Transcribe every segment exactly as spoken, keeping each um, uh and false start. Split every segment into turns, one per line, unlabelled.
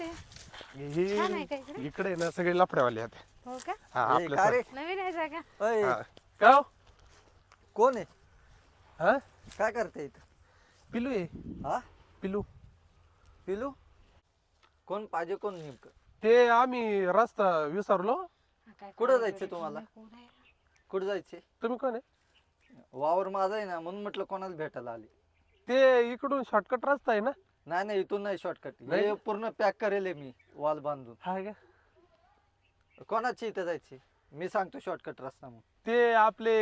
ते
हे
छान आहे का इकडे?
इकडे ना सगळे लफड्यावाले आहेत.
हो का?
हा
ए,
आपल्या
का रे?
नवीन आहे जागा?
अय,
हा. का हो?
कोण आहे?
हा
काय करते इथं?
पिलू आहे
हा
पिलू.
पिलू कोण पाहिजे? कोण नेमकं?
ते आम्ही रस्ता विसरलो.
हा, काय
कुठं
काय
जायचं
वेडे
तुम्हाला?
कोण आहे?
कुठं जायचे?
तुम्ही कोण आहे?
वावर माझा आहे ना, म्हणून म्हटलं कोणाला भेटायला आली.
ते इकडून शॉर्टकट रस्ता आहे ना.
नाही नाही, इथून नाही शॉर्टकट.
नाही
हे
का?
पूर्ण पॅक करेल आहे मी, वॉल बांधून.
हा का?
कोणाची इथं जायची? मी सांगतो शॉर्टकट रस्ता मग.
ते आपले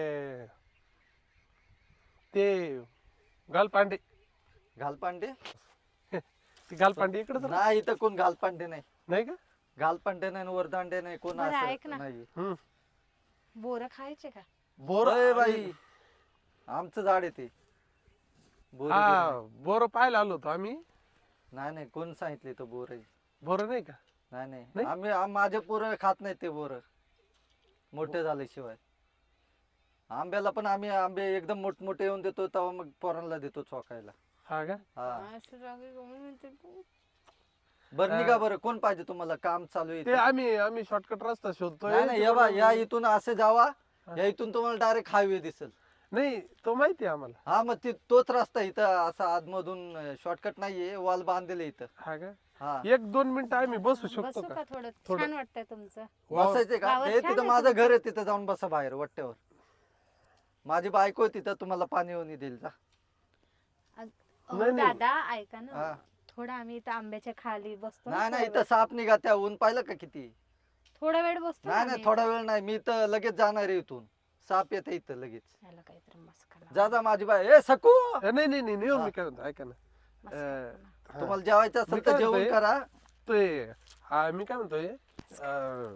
ते गालपांडे.
घालपांडे?
ते गालपांडे इकडे
नाही, इथं कोण घालपांडे नाही.
नाही का?
घालपांडे नाही, वरदांडे नाही, कोण
बरं, ऐक
असं
ना.
नाही.
हम्म.
बोरं खायचे का?
बोर
अय बाई, आमचं झाड आहे ते. बोर
हा बोर पाहायला आलो होतो आम्ही.
नाही नाही, कोण सांगितले तो बोर आहे?
बोर नाही का?
नाही नाही,
नाही?
आम्ही आम- माझे पोरं खात नाही ते बोर, मोठे झाल्याशिवाय. आंब्याला पण आम्ही आंबे एकदम मोठमोठे येऊन देतो, तेव्हा मग पोरांना देतो चोकायला.
हा का?
हा,
असं जागे गमून म्हणते तू.
बरं निघा बरं. कोण पाहिजे तुम्हाला? काम चालू आहे
ते
इथं.
आम्ही आम्ही शॉर्टकट रस्ता शोधतोय.
नाही नाही, या बा, या इथून असे जावा, या इथून तुम्हाला डायरेक्ट हायवे दिसेल.
नाही तो माहिती आहे आम्हाला.
हा, मग ते तोच रस्ता इथं असा आतमधून शॉर्टकट नाहीये, वॉल बांधलेले इथं.
हा का?
हा,
एक दोन मिनिटं आम्ही बसू शकतो
बसू
का?
का थोडं?
थोडं.
छान वाटतंय तुमचं.
वाव.
बसायचे का?
वावर
हे
छान
तिथं
आहे
माझं
तुमचं.
घर आहे, तिथं जाऊन बसा बाहेर वट्ट्यावर. माझी बायको आहे तिथं, तुम्हाला पाणी येऊन देईल जा.
अहो,
नाही, नाही.
दादा ऐका
हा.
ना, थोडं आम्ही इथं आंब्याच्या खाली बसतो ना
नाही नाही,
थोडा
इथं साप निघा, त्या ऊन पाहिलं का किती?
वेळ. थोडा वेळ बसतो ना
नाही नाही,
आम्ही
थोडा वेळ नाही, मी तर लगेच जाणार आहे इथून. साप येते इथं लगेच.
इथं. याला काहीतरी मस्का लावा.
जा जा माझी बाय. ए सकू,
अ, नाही नाही नाही नाही हो,
हा.
मी काय म्हणतो ऐका ना.
मस्का
अ,
लावा.
हा.
तुम्हाला जेवायचं
मी
असेल
काय
तर जेवण
म्हणतोय?
करा.
ते हा मी काय म्हणतोय अ,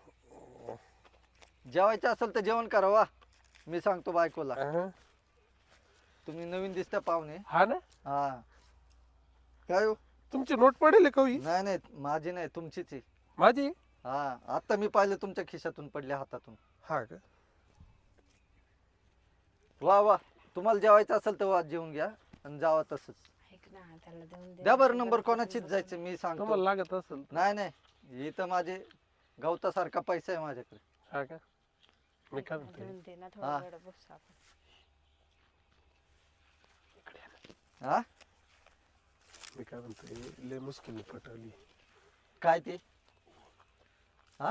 जेवायचं असेल तर जेवण करा. वा, मी सांगतो बायकोला.
अहं.
तुम्ही नवीन दिसता पाहुणे.
हा ना.
हा, काय हो?
तुमची नोट पडेल का ही?
नाही नाही, माझी नाही, तुमचीच आहे.
माझी?
हा, आता मी पाहिलं तुमच्या खिशातून पडले, हातातून.
हा का?
वा वा, तुम्हाला जेवायचं असेल तर वा, जेवून घ्या आणि जावा तसंच.
ऐक ना, त्याला देऊन दे.
द्या बरं नंबर, कोणाचीच जायचं मी सांगतो.
तुम्हाला लागत असेल तर.
नाही नाही, इथं माझे गवतासारखा पैसा आहे माझ्याकडे.
हा का? मी काय म्हणतोय
देऊन दे ना,
हा.
थोडा वेळ बसू आपण.
हा,
मी काय म्हणतोय लय मुश्किल पटवली
काय ते? हा,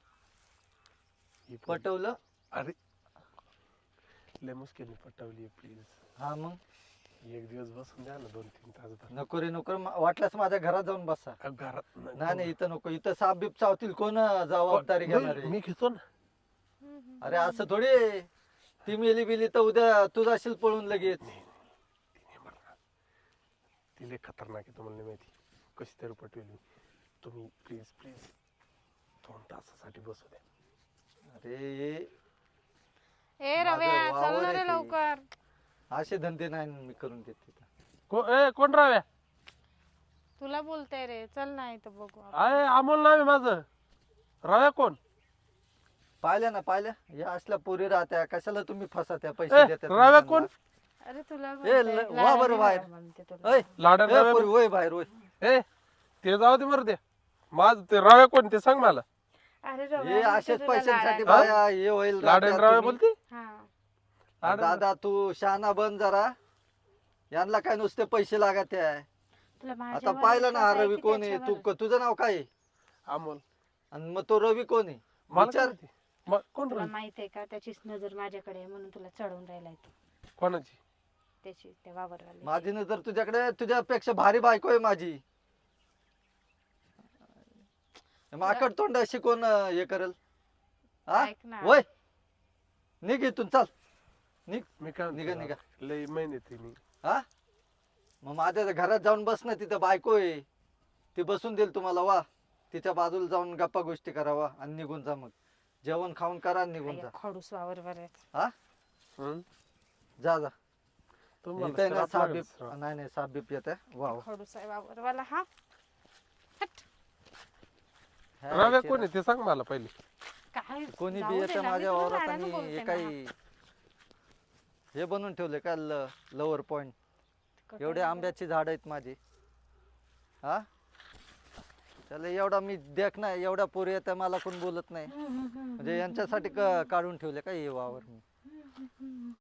ही पोरी.
पटवलं?
अरे लय मुश्किल पटवली प्लीज.
हा, मग
एक दिवस बसून द्या ना, दोन तीन तास भर.
नको रे नको रे, मा- वाटल्यास माझ्या घरात जाऊन बसा.
अ, घरात
नाही नाही, इथं नको. इथं साप बीप चावतील, कोण जबाबदारी घेणार
नाही,
आहे?
मी घेतो ना.
हम्म, हम्म.
अरे असं थोडी आहे. ती मेली बिली तर उद्या तू जाशील पळून लगेच.
तिने मला ती लय खतरनाक आहे, तुम्हाला नाही माहिती. कशी तरी पटवली. तुम्ही प्लीज प्लीज दोन तासासाठी बसू द्या.
अरे
ए रव्या,
माझं वावर
चल ना
आहे
रे
ते.
लवकर.
असे धंदे नाही मी करून देत तिथं.
को ए कोण राव्या?
तुला बोलते रे, चल ना इथं बघू आपण.
अय अमोल नाव आहे माझं. राव्या कोण?
पाहिल्या ना, पाहिल्या? या असल्या पोरी राहत्या, कशाला तुम्ही फसात्या,
ए,
पैसे देत्या
राव्या कोण?
अरे तुला
ए,
बोलते,
ल- वा
लाडाने
बरं बाहेर.
राहा म्हणते तुला.
ओय,
लाडन
ए,
राव्या
पोरी, होय बाहेर होय.
ए ते जाऊ दे बरं दे. माझ ते राव्या कोण ते सांग मला.
अरे
हे
रव्या म्हणते
असेच
तुला
पैशांसाठी
लाडाने.
बाया हे होईल
लाडन
राहत्या
राव्या
तुम्ही.
बोलती?
हा.
लाडन-
दादा तू शहाणा बन जरा. यांना काय नुसते पैसे लागत आहे.
तुला
आता
माझ्यावर
पाहिलं ना, हा
विश्वास आहे
रवी
की
कोण आहे?
त्याच्यावर?
तू तुझं नाव काय आहे?
अमोल.
आणि मग तो रवी कोण आहे?
मला काय
विचार.
माहिती? म- कोण
तुला
राव्या?
माहित आहे का, त्याचीच नजर माझ्याकडे आहे म्हणून तुला चढवून राहिलाय तो.
कोणाची?
त्याची त्या वावरवाले.
माझी नजर तुझ्याकडे, तुझ्यापेक्षा भारी बायको आहे माझी. माकड तोंड अशी कोण अं, हे करेल? हा,
ऐक ना.
वय निघ इथून, चाल निघ.
मी काय
निघा,
म्हणतो
निघा.
राव्या, लय महिने ते मी.
हा, मग माझ्या घरात जाऊन बस ना, तिथं बायको आहे, ती बसून देईल तुम्हाला. वा, तिच्या बाजूला जाऊन गप्पा गोष्टी करावा आणि निघून जा. मग जेवण खाऊन करा आणि निघून जा.
खडूस वावरवर आहे.
हा,
हं?
जा जा.
तुम्हाला
इथं आहे ना
श्राप
साप
लागेल,
बीप,
श्राप.
नाही नाही, साप बीप येत आहे. वा वा.
खडूस आहे वावरवाला हा. हट.
राव्या कोण आहे ते सांग मला पहिले.
काय
कोणी
जाऊ
बी
दे
येतं
ना, मी
माझ्या
तुला
वावरात
लाडाने
आणि
बोलते
हे
ना.
काही हे बनवून ठेवले का, लवर पॉइंट.
कुठं
एवढे
आहे?
आंब्याची झाड आहेत माझी. हा, त्याला एवढा मी देख नाही, एवढ्या पोरी येत्या मला कोण बोलत नाही म्हणजे यांच्यासाठी क- काढून ठेवले का हे वावर मी.